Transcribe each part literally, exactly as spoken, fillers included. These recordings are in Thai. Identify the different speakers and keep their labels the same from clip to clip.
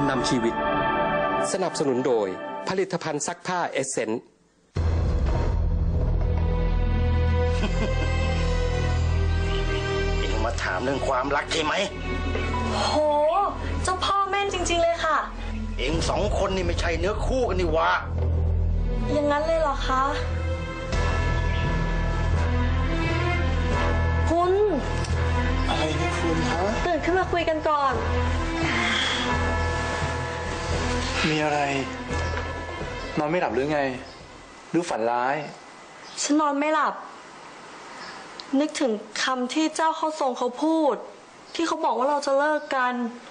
Speaker 1: นำชีวิตสนับสนุนโดยผลิตภัณฑ์ซักผ้าเอเซนต์
Speaker 2: เอ็งมาถามเรื่องความรักใช่ไหม
Speaker 3: โหเจ้าพ่อแม่นจริงๆเลยค่ะ
Speaker 2: เอ็งสองคนนี่ไม่ใช่เนื้อคู่กันนี่วะ
Speaker 3: อย่างนั้นเลยเหรอคะคุณ
Speaker 4: อะไรเนี่ยคุณฮะ
Speaker 3: ตื่นขึ้นมาคุยกันก่อน
Speaker 4: มีอะไรนอนไม่หลับหรือไงหรือฝันร้าย
Speaker 3: ฉันนอนไม่หลับนึกถึงคำที่เจ้าเข้าทรงเขาพูดที่เขาบอกว่าเราจะเลิกกัน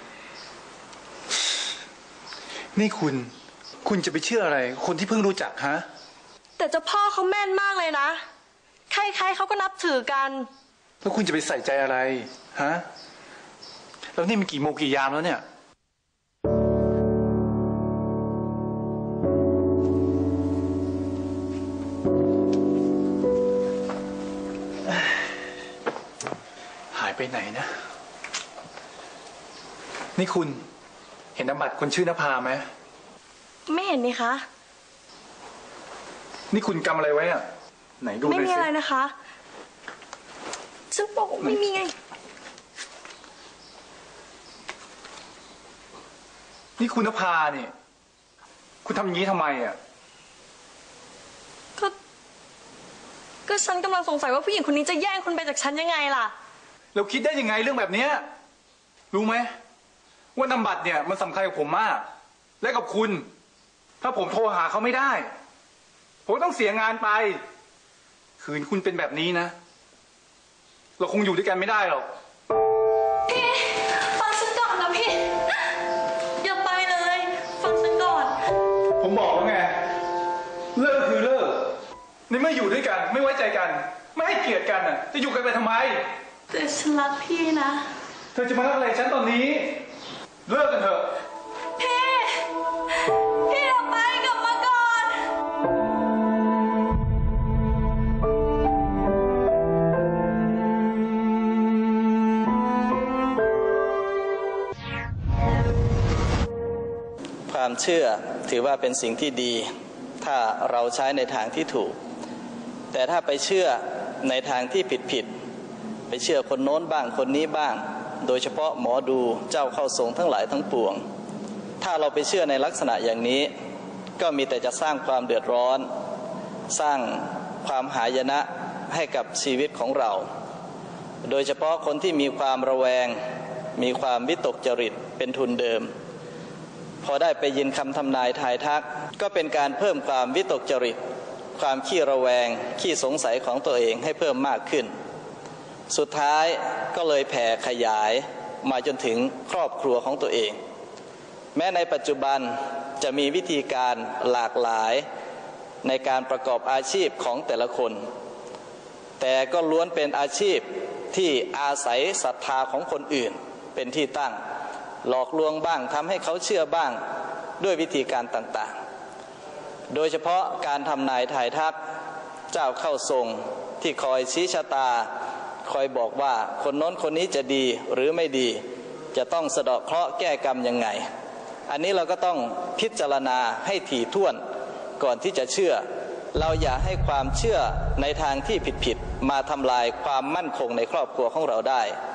Speaker 4: นี่คุณคุณจะไปเชื่ออะไรคนที่เพิ่งรู้จักฮะ
Speaker 3: แต่เจ้าพ่อเขาแม่นมากเลยนะใครๆเขาก็นับถือกัน
Speaker 4: แล้วคุณจะไปใส่ใจอะไรฮะแล้วนี่มันกี่โมงกี่ยามแล้วเนี่ยหายไปไหนนะนี่คุณเห็นนามบัตรคนชื่อนภาไหม
Speaker 3: ไม่เห็นนี่คะ
Speaker 4: นี่คุณกำอะไรไว้อะไหนดูเลยสิ
Speaker 3: ไม่มีอะไรนะคะฉันบอกไม่มีไง
Speaker 4: นี่คุณนภาเนี่ยคุณทำอย่างนี้ทำไมอ่ะ
Speaker 3: ก็ก็ฉันกำลังสงสัยว่าผู้หญิงคนนี้จะแย่งคุณไปจากฉันยังไงล่ะ
Speaker 4: เราคิดได้ยังไงเรื่องแบบนี้รู้ไหมว่านามบัตรเนี่ยมันสำคัญกับผมมากและกับคุณถ้าผมโทรหาเขาไม่ได้ผมต้องเสียงานไปคืนคุณเป็นแบบนี้นะเราคงอยู่ด้วยกันไม่ได้หรอก
Speaker 3: พี่ฟังฉันก่อนนะพี่อย่าไปเลยฟังฉันก่อน
Speaker 4: ผมบอกแล้วไงเลิกคือเลิกในเมื่ออยู่ด้วยกันไม่ไว้ใจกันไม่ให้เกียรติกันน่ะจะอยู่กันไปทำไม
Speaker 3: แต่ฉันรักพี่นะ
Speaker 4: เธอจะมารักอะไรฉันตอนนี้เลิกกันเถอะ
Speaker 3: พี่พี่อย่าไปกลับมาก่อน
Speaker 5: ความเชื่อถือว่าเป็นสิ่งที่ดีถ้าเราใช้ในทางที่ถูกแต่ถ้าไปเชื่อในทางที่ผิดผิดไปเชื่อคนโน้นบ้างคนนี้บ้างโดยเฉพาะหมอดูเจ้าเข้าทรงทั้งหลายทั้งปวงถ้าเราไปเชื่อในลักษณะอย่างนี้ก็มีแต่จะสร้างความเดือดร้อนสร้างความหายนะให้กับชีวิตของเราโดยเฉพาะคนที่มีความระแวงมีความวิตกจริตเป็นทุนเดิมพอได้ไปยินคำทำนายทายทักก็เป็นการเพิ่มความวิตกจริตความขี้ระแวงขี้สงสัยของตัวเองให้เพิ่มมากขึ้นสุดท้ายก็เลยแผ่ขยายมาจนถึงครอบครัวของตัวเองแม้ในปัจจุบันจะมีวิธีการหลากหลายในการประกอบอาชีพของแต่ละคนแต่ก็ล้วนเป็นอาชีพที่อาศัยศรัทธาของคนอื่นเป็นที่ตั้งหลอกลวงบ้างทำให้เขาเชื่อบ้างด้วยวิธีการต่างๆโดยเฉพาะการทำนายทายทักเจ้าเข้าทรงที่คอยชี้ชะตาคอยบอกว่าคนโน้นคนนี้จะดีหรือไม่ดีจะต้องสะเดาะเคราะห์แก้กรรมยังไงอันนี้เราก็ต้องพิจารณาให้ถี่ถ้วนก่อนที่จะเชื่อเราอย่าให้ความเชื่อในทางที่ผิดๆมาทำลายความมั่นคงในครอบครัวของเราได้